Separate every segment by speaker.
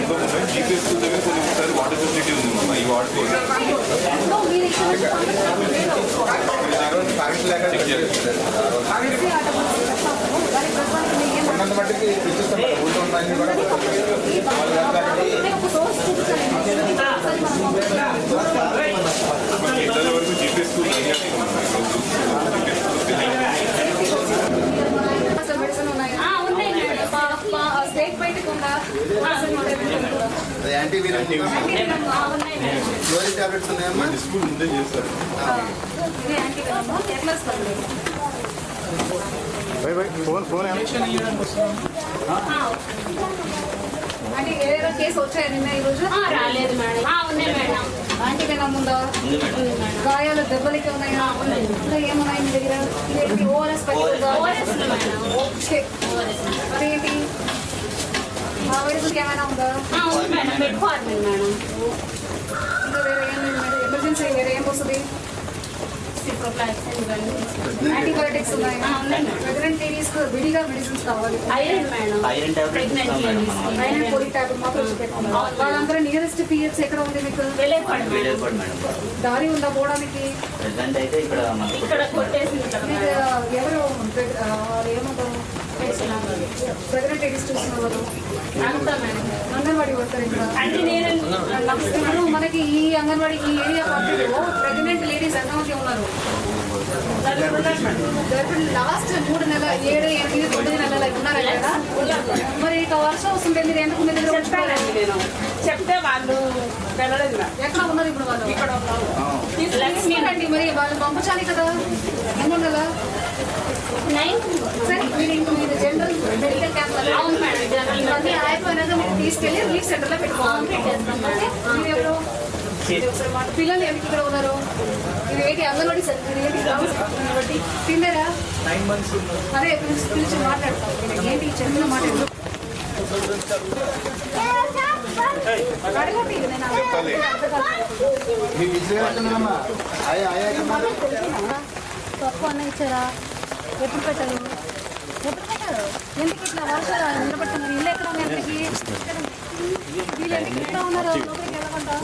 Speaker 1: GPS దగ్గర కొన్ని water facility ఉంది ఈ వాడుకోవాలి పిల్లల వరకు జీపీఎస్
Speaker 2: స్టేట్ బయటకు ఉందా
Speaker 3: టాబ్లెట్స్ ఉన్నాయమ్మా
Speaker 1: స్కూల్ ముందే చేస్తారు ఫోన్
Speaker 2: అంటే ఏదైనా కేసు వచ్చాయి నిన్న ఈరోజు
Speaker 4: రాలేదు మేడం. ఉన్నాయి మేడం.
Speaker 2: ఆంటీకి ఉందా గాయాలు దెబ్బలకి ఉన్నాయా ఇంకా ఏమున్నాయి మీ దగ్గర ఇదేంటి ఓఆర్ఎస్ ఓకే అదేంటి ఆ వైరస్కి ఏమైనా ఉందా
Speaker 4: ఉంది మేడం. పెట్టుకోవాలి మేడం.
Speaker 2: ఇంకా వేరే ఏం ఎమర్జెన్సీ వేరే ఏం వస్తుంది యాంటీబయోటిక్స్ ఉన్నాయి ప్రెగ్నెంట్ లేడీస్ విడిగా మెడిసిన్స్ కావాలి
Speaker 4: ఐరన్ మేడం. ప్రెగ్నెంట్
Speaker 2: ఐరన్ పొడి టాబ్లెట్ మాత్రం పెట్టుకోవాలి వాళ్ళందరూ నియరెస్ట్ పిహెచ్ ఎక్కడ ఉంది మీకు దారి ఉందా పోవడానికి
Speaker 4: ఇక్కడ కొట్టేసింది
Speaker 2: మీకు ఎవరు ఏమంటారు ప్రెగ్నెంట్ లేడీస్ చూస్తున్న వాళ్ళు అంగన్వాడీ వర్కర్ ఇక్కడ ఇప్పుడు మనకి ఈ అంగన్వాడీ ఈ ఏరియా పరిధిలో ప్రెగ్నెంట్ లేడీస్ ఎంతమంది ఉన్నారు లాస్ట్ 3 నెలల 7, 8, 9 నెలలు ఉన్నారా కదా మరి ఇక వర్షం వస్తుంటే మీరు ఎందుకు మీ దగ్గర
Speaker 4: చెప్పానండి నేను చెప్తే వాళ్ళు వెళ్ళలేదు
Speaker 2: ఎక్కడ ఉన్నారు ఇప్పుడు వాళ్ళు తీసుకురండి మరి వాళ్ళు పంపించాలి కదా ఎన్నో నెల సరే మీరు జనరల్ మెడికల్ క్యాంప్ ఇవన్నీ అయిపోయినాక మీరు తీసుకెళ్ళి రిలీఫ్ సెంటర్లో పెట్టుకోవాలి మీరు ఎవరు పిల్లలు ఎందుకు ఇక్కడ ఉన్నారు ఇది ఏంటి అంగన్వాడీ ఏంటి తిన్నారా అదే పిలిచి మాట్లాడతాం ఏంటి చెప్పిన మాట్లాడు
Speaker 5: తక్కువ అన్న ఇచ్చారా ఎప్పుడు పెట్టారు ఎందుకు ఇట్లా వర్షాలు నిలబడుతున్నారు ఇల్లు ఎక్కడ ఉంది అందరికి వీళ్ళు ఎందుకు ఎక్కడ ఉన్నారు లోపలికి వెళ్ళకుండా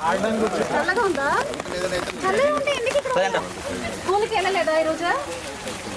Speaker 5: చల్లగా ఉందా చల్లగా ఉంటే ఎందుకు ఇక్కడ స్కూల్కి వెళ్ళలేదా ఈరోజు